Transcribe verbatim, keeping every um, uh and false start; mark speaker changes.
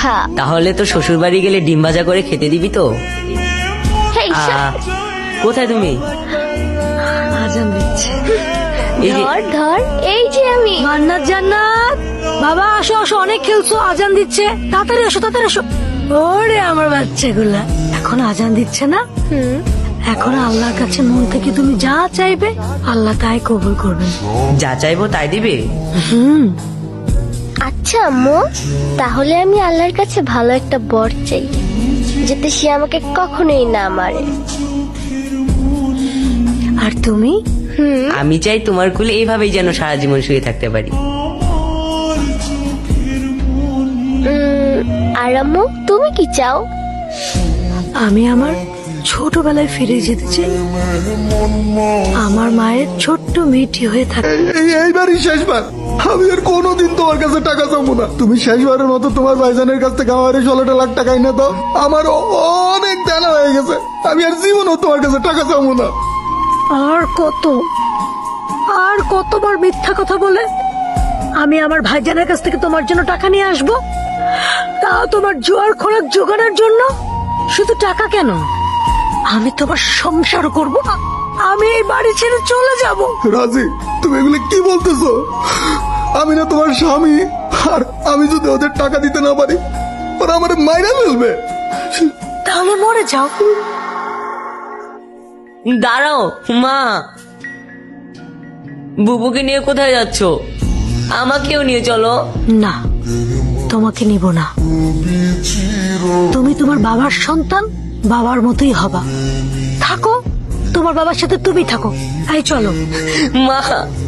Speaker 1: কথা।
Speaker 2: তাহলে তো শ্বশুর বাড়ি গেলে ডিম ভাজা করে খেতে দিবি তো?
Speaker 1: এই
Speaker 2: আহ, কোথায় তুমি?
Speaker 3: আজান দিচ্ছে।
Speaker 2: এই যে
Speaker 1: ধর ধর, এই যে আমি।
Speaker 3: জান্নাত জান্নাত, বাবা আসো আসো, অনেক খেলছো, আজান দিচ্ছে, তাড়াতাড়ি আসো তাড়াতাড়ি আসো। ওরে আমার বাচ্চাগুলা, এখন আজান দিচ্ছে না?
Speaker 1: হুম।
Speaker 3: এখন আল্লাহর কাছে মন থেকে তুমি যা চাইবে আল্লাহ তাই কবুল করবেন।
Speaker 2: যা চাইবো তাই দিবে?
Speaker 3: হুম।
Speaker 1: আচ্ছা আম্মু, তাহলে আমি আল্লাহর কাছে ভালো একটা বর চাই, যাতে সে আমাকে কখনোই না মারে।
Speaker 3: আর তুমি?
Speaker 1: হুম।
Speaker 2: আমি চাই তোমার কুলে এইভাবেই যেন সারা জীবন শুয়ে থাকতে পারি।
Speaker 1: উম, আর আম্মু, তুমি কি চাও?
Speaker 3: আমি আমার ছোটবেলায় ফিরে যেতে চাই, আমার মায়ের ছোট্ট মেয়েটি হয়ে থাকে।
Speaker 4: এই এইবারই শেষবার, আমি আর কোনোদিন তোমার কাছে টাকা চাবো না। তুমি শেষবারের মতো তোমার ভাইজানের কাছ থেকে আমার এই ষোলোটা লাখ টাকা এনে দাও। আমার অনেক দেনা হয়ে গেছে, আমি আর জীবনও তোমার কাছে টাকা চাবো না।
Speaker 3: আর কত আর কতবার মিথ্যা কথা বলে আমি আমার ভাইজানের কাছ থেকে তোমার জন্য টাকা নিয়ে আসবো, তা তোমার জোয়ার খোরাক জোগানোর জন্য। শুধু টাকা কেন, আমি তোমার সংসার করব, আমি এই বাড়ি ছেড়ে চলে যাব।
Speaker 4: রাজি, তুমি এগুলো কি বলতেছো? আমি না তোমার স্বামী, আর আমি যদি ওদের টাকা দিতে না পারি ওরা আমার মাইরা ফেলবে।
Speaker 3: তাহলে মরে যাও।
Speaker 2: দাঁড়াও মা, বুবুকে নিয়ে কোথায় যাচ্ছ? আমাকেও নিয়ে চলো।
Speaker 3: না, তোমাকে নিব না। তুমি তোমার বাবার সন্তান, বাবার মতোই হবা। থাকো, তোমার বাবার সাথে তুমি থাকো। এই চলো।
Speaker 2: মা